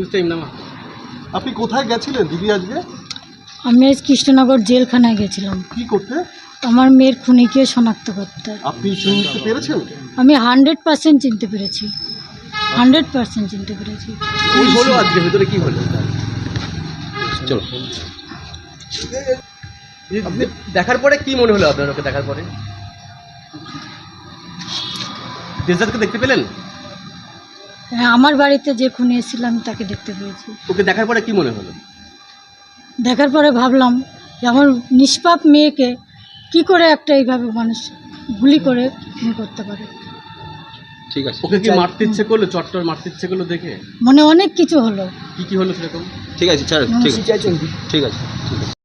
Time না। আপনি কোথায় গেছিলেন দিদি আজকে? আমি আজ কৃষ্ণনগর জেলখানায় গেছিলাম কি করতে? আমার মেয়ের খুনিকে শনাক্ত করতে। আপনি চিনতে পেরেছেন? আমি 100% চিনতে পেরেছি, 100% চিনতে পেরেছি। কি হলো আজকে ভেতরে, কি হলো? চলো। আপনি দেখার পরে কি মনে হলো আপনার? ওকে দেখার পরে দেশদাদকে দেখতে পেলেন? হ্যাঁ, আমার বাড়িতে যে খুনি এসেছিল আমি তাকে দেখতে পেয়েছি। ওকে দেখার পরে কি মনে হলো? দেখার পরে ভাবলাম যে আমার নিষ্পাপ মেয়েকে কি করে একটা এইভাবে মানুষ গুলি করে খুন করতে পারে। ঠিক আছে। ওকে কি মারতে ইচ্ছে করলো? চট্টর মারতে ইচ্ছে করলো দেখে? মনে অনেক কিছু হলো। কি হলো সেরকম? ঠিক আছে, ঠিক আছে।